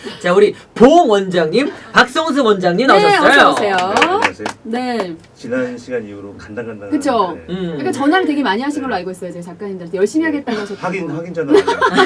자, 우리 보홍 원장님, 박성수 원장님 네, 나오셨어요. 어서 오세요. 네, 안녕하세요. 네. 지난 시간 이후로 간당간당. 그쵸. 네. 그러니까 전화를 되게 많이 하신 걸로 알고 있어요. 제가 작가님들한테 열심히 하겠다고 하셨고. 확인 전화.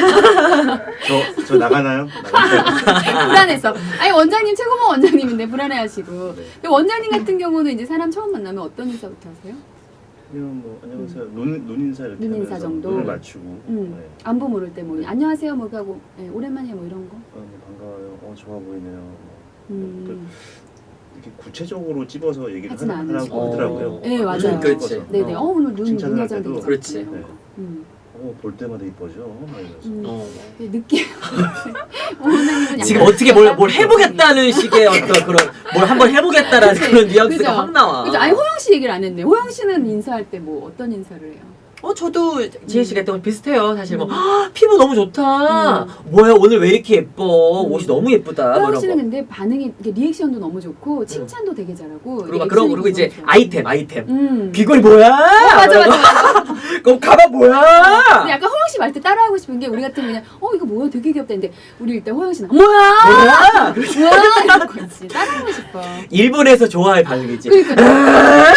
저 나가나요? 불안해서. 아니 원장님 최고봉 원장님인데 불안해하시고. 네. 근데 원장님 같은 경우는 이제 사람 처음 만나면 어떤 인사부터 하세요? 그냥 뭐 안녕하세요. 눈 인사 이렇게 눈 인사 하면서 정도? 눈을 맞추고. 네. 안부 모를 때 뭐 안녕하세요 뭐 하고 네, 오랜만에 뭐 이런 거. 뭐 반가워요. 좋아 보이네요. 음. 이렇게 구체적으로 찝어서 얘기를 하진 하라고 않으시고. 하더라고요. 네, 맞아요. 그렇지. 네네. 오늘 눈 칭찬을 할 화장 때도 되게 그렇지. 잘했어요. 네. 볼 때마다 이뻐져. 막 이러면서. 느낌. 원장님은 지금 약간 어떻게 뭘 해보겠다는 식의 어떤 그런 뭘 한번 해보겠다라는 그치. 그런 뉘앙스가 그죠? 확 나와. 그죠? 아니 호영 씨 얘기를 안 했네. 호영 씨는 인사할 때 뭐 어떤 인사를 해요? 저도 지혜 씨가 했던 건 비슷해요. 사실 뭐 피부 너무 좋다. 음. 뭐야 오늘 왜 이렇게 예뻐? 옷이 너무 예쁘다. 뭐 호영 이런 씨는 거. 근데 반응이 이게 리액션도 너무 좋고 칭찬도 되게 잘하고. 그리고 이제 아이템. 귀걸이 어, 뭐야? 맞아. 그럼 가방 뭐야? 근데 약간 호영 씨 말 때 따라하고 싶은 게 우리 같으면 그냥 이거 뭐야 되게 귀엽다 했는데 우리 일단 호영 씨는 뭐야 뭐야? 이런 거 있지. 따라하고 싶어. 일본에서 좋아할 반응이지. 그러니까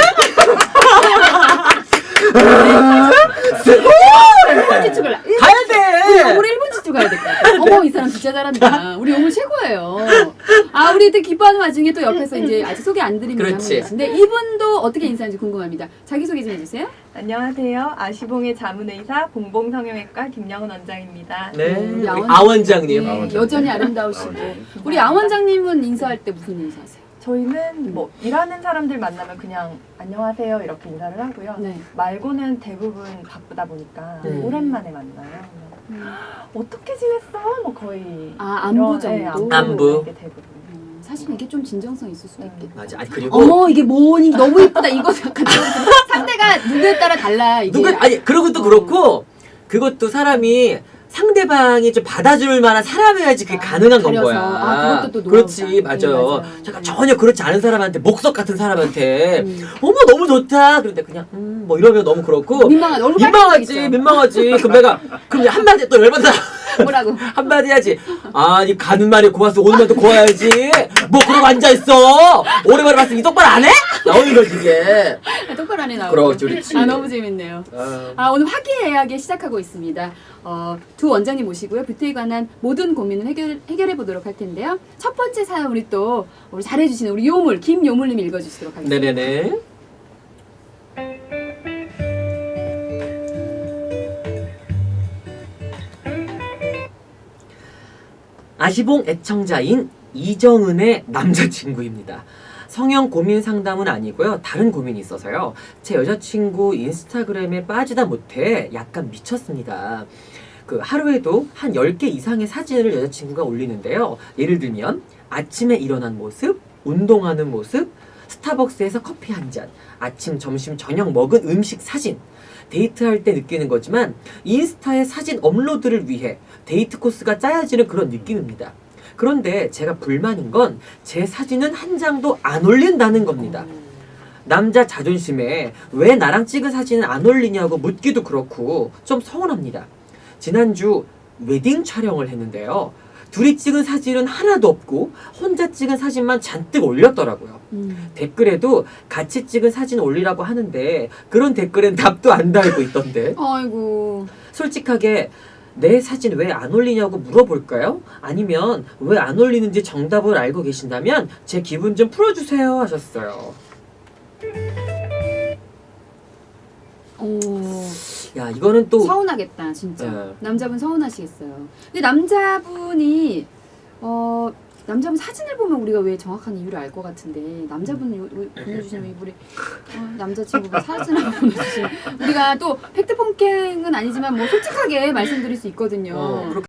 1분 지축을 가야 돼. 우리 1분 지축 가야 될 것 같아. 어머 이 사람 진짜 잘한다. 우리 오늘 최고예요. 우리 되게 기뻐하는 와중에 또 옆에서 이제 아직 소개 안 드린 분이 한 분 그렇지. 계신데 이분도 어떻게 인사하는지 궁금합니다. 자기소개 좀 해주세요. 안녕하세요. 아시봉의 자문의사 봉봉성형외과 김영은 원장입니다. 네. 우리 우리 아원- 아 원장님. 네, 원장님. 여전히 아름다우시고 원장님. 우리 아 원장님은 인사할 때 무슨 인사하세요? 저희는 뭐 일하는 사람들 만나면 그냥 안녕하세요 이렇게 인사를 하고요. 네. 말고는 대부분 바쁘다 보니까 오랜만에 만나요. 어떻게 지냈어? 뭐 거의 안부 이런, 네, 정도? 안부. 이게 대부분. 사실 이게 좀 진정성 있을 수도 있겠다. 맞아. 아니 그리고 어머 이게 뭐니 너무 예쁘다 이거 약간 상대가 누구에 따라 달라 이게. 그리고 또 그렇고 그것도 사람이 상대방이 좀 받아줄 만한 사람이어야지 그게 가능한 건 가려서. 거야. 그것도 또 그렇지, 노하우다. 맞아요. 네, 잠깐 전혀 그렇지 않은 사람한테 목석 같은 사람한테 음. 어머 너무 좋다. 그런데 그냥 뭐 이러면 너무 그렇고 민망하지. 얼굴 민망하지. 그럼 한마디 또 열받아. 뭐라고? 한마디 해야지. 이 가는 말이 고와서 오는 말도 고와야지. 뭐 그러고 앉아있어. 오랜만에 봤으니 똑바로 안 해? 나오는 거지 이게. 똑바로 안에 나오고. 그렇지. 너무 재밌네요. 오늘 화기애애하게 시작하고 있습니다. 두 원장님 모시고요. 뷰티에 관한 모든 고민을 해결해 보도록 할 텐데요. 첫 번째 사연 우리 잘해주시는 우리 요물 김요물님 읽어주시도록 하겠습니다. 네네네. 아시봉 애청자인 이정은의 남자친구입니다. 성형 고민 상담은 아니고요. 다른 고민이 있어서요. 제 여자친구 인스타그램에 빠지다 못해 약간 미쳤습니다. 하루에도 한 10개 이상의 사진을 여자친구가 올리는데요. 예를 들면 아침에 일어난 모습, 운동하는 모습, 스타벅스에서 커피 한 잔, 아침, 점심, 저녁 먹은 음식 사진. 데이트할 때 느끼는 거지만 인스타에 사진 업로드를 위해 데이트 코스가 짜여지는 그런 느낌입니다. 그런데 제가 불만인 건 제 사진은 한 장도 안 올린다는 겁니다. 남자 자존심에 왜 나랑 찍은 사진은 안 올리냐고 묻기도 그렇고 좀 서운합니다. 지난주 웨딩 촬영을 했는데요. 둘이 찍은 사진은 하나도 없고 혼자 찍은 사진만 잔뜩 올렸더라고요. 댓글에도 같이 찍은 사진 올리라고 하는데 그런 댓글엔 답도 안 달고 있던데. 아이고. 솔직하게 내 사진 왜 안 올리냐고 물어볼까요? 아니면 왜 안 올리는지 정답을 알고 계신다면 제 기분 좀 풀어주세요 하셨어요. 야 이거는 또 서운하겠다 진짜. 네. 남자분 서운하시겠어요. 근데 남자분 사진을 보면 우리가 왜 정확한 이유를 알 것 같은데 남자분 보내주시면 우리 남자친구분 사진을 보내주시면 우리가 또 팩트 폭행은 아니지만 뭐 솔직하게 말씀드릴 수 있거든요.